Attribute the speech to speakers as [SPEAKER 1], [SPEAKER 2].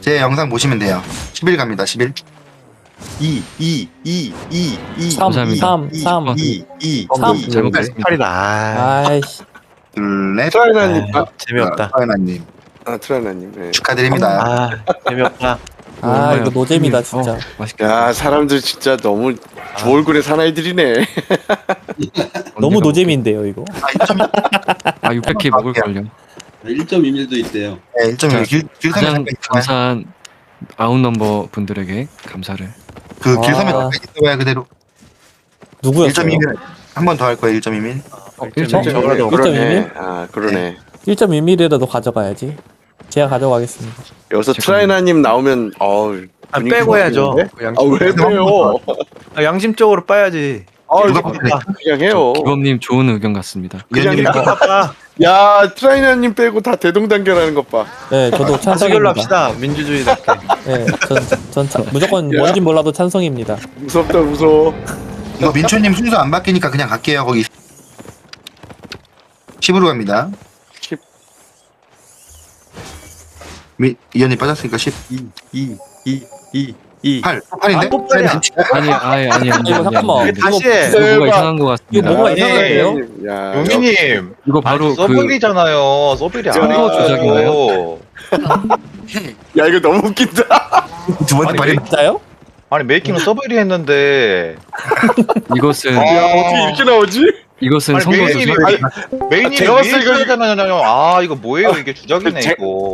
[SPEAKER 1] 제 영상 보시면 돼요. 10일 갑니다. 10일.
[SPEAKER 2] 2, 2, 2, 2, 2,
[SPEAKER 3] 3, 3, 3.
[SPEAKER 2] 2, 2,
[SPEAKER 3] 삼.
[SPEAKER 2] 8이다. 아,
[SPEAKER 3] 아이씨.
[SPEAKER 1] 둘, 넷.
[SPEAKER 4] 트라이나님,
[SPEAKER 2] 재미없다.
[SPEAKER 1] 서연아님
[SPEAKER 4] 트라이나님. 네.
[SPEAKER 1] 축하드립니다.
[SPEAKER 2] 아, 재미없다.
[SPEAKER 3] 아, 이거 노잼이다, 진짜.
[SPEAKER 5] 맛있겠다.
[SPEAKER 4] 야, 사람들 진짜 너무 주 얼굴의 사나이들이네.
[SPEAKER 3] 너무 노잼인데요, 이거.
[SPEAKER 5] 아 600K 먹을 걸요.
[SPEAKER 6] 1.21도 있대요.
[SPEAKER 1] 네, 1.1 길섬에
[SPEAKER 5] 가장
[SPEAKER 1] 잠깐 있어봐요.
[SPEAKER 5] 감사한 아웃넘버 분들에게 감사를.
[SPEAKER 1] 그 길섬에
[SPEAKER 3] 아.
[SPEAKER 1] 잠깐 있어봐요 그대로.
[SPEAKER 3] 누구였어요?
[SPEAKER 1] 1.2mm 한 번 더 할 거예요. 1.2mm.
[SPEAKER 3] 1.2mm?
[SPEAKER 4] 그러네. 아, 그러네.
[SPEAKER 3] 1.2mm라도 가져가야지. 제가 가져가겠습니다.
[SPEAKER 4] 여기서 트라이나님 나오면
[SPEAKER 2] 아, 빼고 해야죠.
[SPEAKER 4] 왜 빼요?
[SPEAKER 2] 아, 양심적으로 빠야지.
[SPEAKER 1] 누가
[SPEAKER 4] 그냥 해요.
[SPEAKER 5] 기범님 좋은 의견 같습니다.
[SPEAKER 4] 그냥
[SPEAKER 1] 위원님
[SPEAKER 4] 해.
[SPEAKER 2] 아빠,
[SPEAKER 4] 야, 트라이나님 빼고 다 대동단결하는 것 봐.
[SPEAKER 3] 네, 저도
[SPEAKER 2] 다수결로
[SPEAKER 3] 찬성입니다.
[SPEAKER 2] 합시다. 민주주의답게.
[SPEAKER 3] 네, 무조건
[SPEAKER 4] 야.
[SPEAKER 3] 뭔진 몰라도 찬성입니다.
[SPEAKER 4] 무섭다, 무서워.
[SPEAKER 1] 이거 민초님 순서 안 바뀌니까 그냥 갈게요. 거기 10으로 갑니다.
[SPEAKER 4] 10.
[SPEAKER 1] 이현님 빠졌으니까 10.
[SPEAKER 2] 2.
[SPEAKER 1] 8. 8인데?
[SPEAKER 2] 또 팔이야.
[SPEAKER 5] 아니
[SPEAKER 3] 이거 잠깐만.
[SPEAKER 2] 다시 해.
[SPEAKER 5] 이거 뭐가 이상한 것
[SPEAKER 3] 이거
[SPEAKER 5] 같습니다.
[SPEAKER 3] 뭐가
[SPEAKER 4] 야,
[SPEAKER 3] 이상한데요?
[SPEAKER 4] 야,
[SPEAKER 7] 용민님
[SPEAKER 5] 이거 바로 그
[SPEAKER 7] 서블이잖아요. 서블이
[SPEAKER 5] 선거
[SPEAKER 7] 아니고.
[SPEAKER 4] 야, 이거 너무 웃긴다.
[SPEAKER 1] 두 번째
[SPEAKER 7] 아니,
[SPEAKER 1] 발이
[SPEAKER 3] 진짜요?
[SPEAKER 7] 아니 메이킹은 서블이 했는데
[SPEAKER 5] 이것은
[SPEAKER 4] 야, 어떻게 이렇게 나오지?
[SPEAKER 5] 이것은
[SPEAKER 7] 아니,
[SPEAKER 5] 선거
[SPEAKER 7] 메인이
[SPEAKER 5] 조작.
[SPEAKER 7] 메인이
[SPEAKER 4] 제가 봤을 때 이거-
[SPEAKER 7] 메이킹이잖아요. 아 이거 뭐예요? 이게 주작이네
[SPEAKER 4] 제-
[SPEAKER 7] 이거.